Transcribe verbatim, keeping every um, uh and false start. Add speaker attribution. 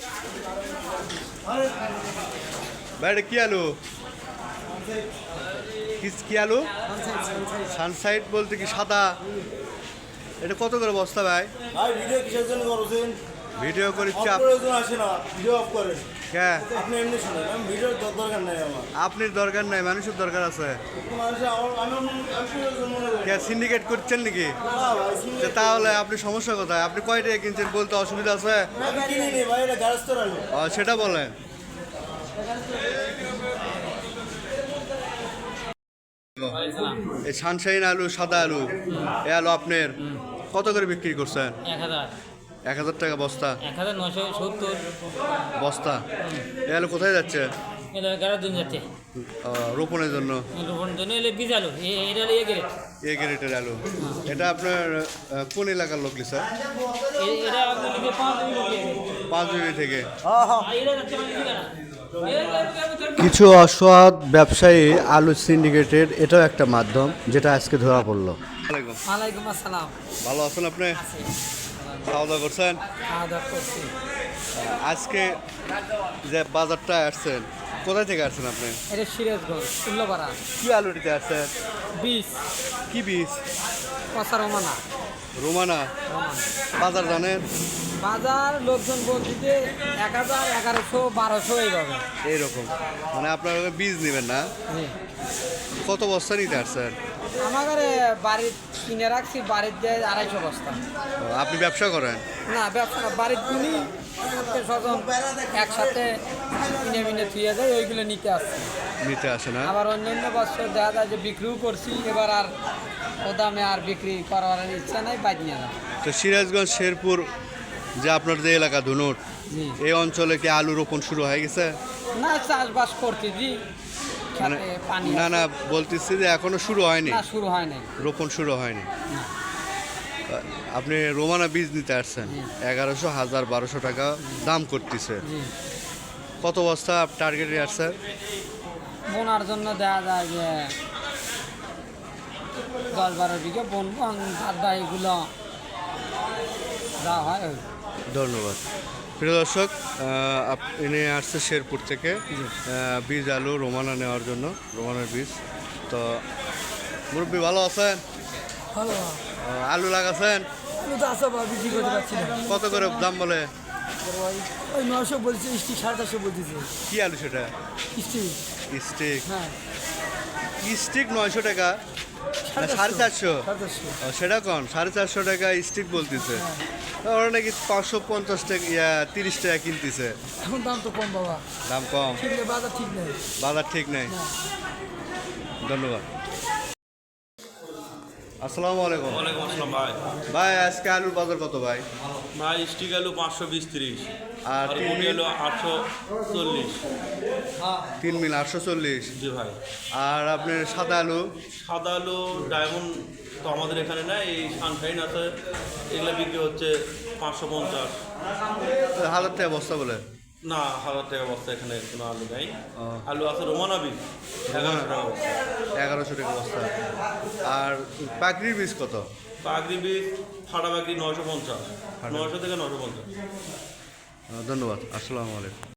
Speaker 1: ভাই এটা কি আলু? কি কি আলু? সানসাইড বলতে কি সাদা? এটা কত করে বস্তা ভাই?
Speaker 2: ভাই ভিডিও কিসের জন্য করছেন?
Speaker 1: ভিডিও করি
Speaker 2: অফ
Speaker 1: চাপ।
Speaker 2: প্রয়োজন আসে না, ভিডিও অফ করেন।
Speaker 1: কে?
Speaker 2: আপনি এমনি শুনেন, আমি ভিডিওর দর- দরকার নাই আমার।
Speaker 1: আপনার দরকার নাই, মানুষের দরকার আছে।
Speaker 2: মানুষের আমার আমি আমি প্রয়োজন মনে করি।
Speaker 1: কে সিন্ডিকেট করছেন নাকি?
Speaker 2: না ভাই, শুনলে-
Speaker 1: তা তাহলে আপনি সমস্যা কোথায়? আপনি কয় টাকা কিনছেন বলতে অসুবিধা আছে?
Speaker 2: আমি কিনিনি ভাই, এটা গ্যারেজ তো আলু।
Speaker 1: ও, সেটা বলেন। এই সানশাইন আলু, সাদা আলু, এ আলু আপনার কত করে বিক্রি করছেন?
Speaker 3: এক হাজার
Speaker 1: এক হাজার টাকা বস্তা।
Speaker 3: এক হাজার নশো সত্তর
Speaker 1: বস্তা এ আলু কোথায় যাচ্ছে?
Speaker 3: এলে এগারো দিন যাচ্ছে
Speaker 1: ও, রোপণের জন্য।
Speaker 3: রোপণ জন্য এলে বীজ আলু এ- এটা এ গেলে
Speaker 1: এ গ্রেটের আলু। এটা আপনার আহ, কোন এলাকার লোক স্যার?
Speaker 3: এটা আপনাকে পাঁচ দিন লোকে
Speaker 1: পাঁচ বিবি থেকে।
Speaker 3: এটা যাচ্ছে মানে দিবে না
Speaker 1: কিছু অসৎ ব্যবসায়ী আলু সিন্ডিকেটের এটাও একটা মাধ্যম, যেটা আজকে ধরা পড়লো।
Speaker 3: ওয়ালাইকুম আসসালাম
Speaker 1: ভালো আছেন আপনি? খাওয়া দাওয়া করছেন?
Speaker 3: খাওয়া দাওয়া করছি
Speaker 1: আজকে যে বাজারটা আসছেন, কোথায় থেকে আসছেন আপনি?
Speaker 3: এটা সিরাজগঞ্জ উল্লাপাড়া
Speaker 1: কি আলু নিতে আসছেন?
Speaker 3: বীজ
Speaker 1: কি বীজ?
Speaker 3: কষা রমানা
Speaker 1: রোমানা।
Speaker 3: রমান
Speaker 1: বাজার জানেন?
Speaker 3: বাজার লোকজন বলছে যে এক হাজার এগারোশো বারোশো এইভাবে
Speaker 1: এইরকম, মানে আপনার বীজ নেবেন না?
Speaker 3: জি
Speaker 1: কত বস্তা নিতে আসছেন?
Speaker 3: আমার বাড়ির কিনে রাখছি বাড়ির দিয়ে আড়াইশো বস্তা
Speaker 1: ও, আপনি ব্যবসা করেন?
Speaker 3: না ব্যবসা না, বাড়ির কিনি আত্মীয় স্বজন একসাথে কিনে মিনে থুয়ে যায় ওইগুলো নিতে আসছি।
Speaker 1: নিতে আসে না?
Speaker 3: আবার অন্যান্য বছর দেখা যায় যে বিক্রিও করছি, এবার আর ও দামে আর বিক্রি করার ইচ্ছা নাই, বাদ নিয়ে না।
Speaker 1: তো সিরাজগঞ্জ শেরপুর যে আপনার যে এলাকা ধুনুট,
Speaker 3: জি
Speaker 1: এই অঞ্চলে কি আলু রোপণ শুরু হয়ে গেছে?
Speaker 3: না চাষবাস করছি জি,
Speaker 1: মানে
Speaker 3: খেতে পানি
Speaker 1: না
Speaker 3: আছে।
Speaker 1: না, বলতেছি যে এখনো শুরু হয়নি,
Speaker 3: না শুরু হয় নাই।
Speaker 1: রোপণ শুরু হয়নি।
Speaker 3: না।
Speaker 1: আপনি রোমানা বীজ নিতে আসছেন,
Speaker 3: জি।
Speaker 1: এগারোশো হাজার বারোশো টাকা দাম করতেছে।
Speaker 3: জি
Speaker 1: কত বস্তা টার্গেটে আসছেন?
Speaker 3: বোনার জন্য দেখা যায় যে দশ বারো বিঘে বনবো, বাদা এগুলো যা হয় ওই।
Speaker 1: ধন্যবাদ। প্রিয় দর্শক, আহ, আপ- ইনি আসছে শেরপুর থেকে আহ, বীজ আলু রোমানা নেওয়ার জন্য, রোমানার বীজ। তো মুরব্বী ভালো আছেন?
Speaker 3: ভালো
Speaker 1: আহ, আলু লাগাছেন?
Speaker 3: আমি তো আসা বিক্রি করতে পারছি না,
Speaker 1: কত করে দাম বলে?
Speaker 3: ওই নশো বলছে, স্টিক সাড়ে চারশো বলতেছে
Speaker 1: কি আলু সেটা?
Speaker 3: স্টিক।
Speaker 1: স্টিক?
Speaker 3: হ্যাঁ
Speaker 1: স্টিক নয়শো টাকা না সাড়ে চারশো?
Speaker 3: সাড়ে চারশো
Speaker 1: ও, সেটা কন সাড়ে চারশো টাকা স্টিক বলতেছে। ওরা নাকি পাঁচশো পঞ্চাশ টাকা ইয়া তিরিশ টাকা কিনতেছে।
Speaker 3: এখন দাম তো কম বাবা,
Speaker 1: দাম কম,
Speaker 3: ঠিক নেই, বাজার ঠিক নেই।
Speaker 1: বাজার ঠিক নেই।
Speaker 3: না।
Speaker 1: ধন্যবাদ। আসসালামু আলাইকুম
Speaker 4: ওয়ালাইকুম আসসালাম ভাই।
Speaker 1: ভাই, আজকে আলুর বাজার কত ভাই?
Speaker 4: ভাই স্টিক আলু পাঁচশো বিশ তিরিশ
Speaker 1: আর
Speaker 4: আর
Speaker 1: তিন
Speaker 4: গুটি
Speaker 1: মিল?
Speaker 4: আলু আটশো চল্লিশ।
Speaker 1: তিন মিল আটশো চল্লিশ।
Speaker 4: জি ভাই।
Speaker 1: আর আপনার সাদা আলু?
Speaker 4: সাদা আলু ডায়মন্ড তো আমাদের এখানে না, এই সানশাইন আছে, এগুলো বিক্রি হচ্ছে পাঁচশো পঞ্চাশ।
Speaker 1: হাজার টাকা বস্তা বলে?
Speaker 4: না, হাজার টাকা বস্তা এখানে কোনো আলু নেই।
Speaker 1: ও।
Speaker 4: আলু আছে রোমানা বীজ এগারোশো টাকা বস্তা।
Speaker 1: এগারোশো টাকা বস্তা। আর পাকড়ির বীজ কত?
Speaker 4: পাগড়ি বীজ ফাটা পাগড়ি নয়শো পঞ্চাশ,
Speaker 1: ফাটা।
Speaker 4: নয়শো থেকে নয়শো পঞ্চাশ।
Speaker 1: ধন্যবাদ। আসসালামু আলাইকুম।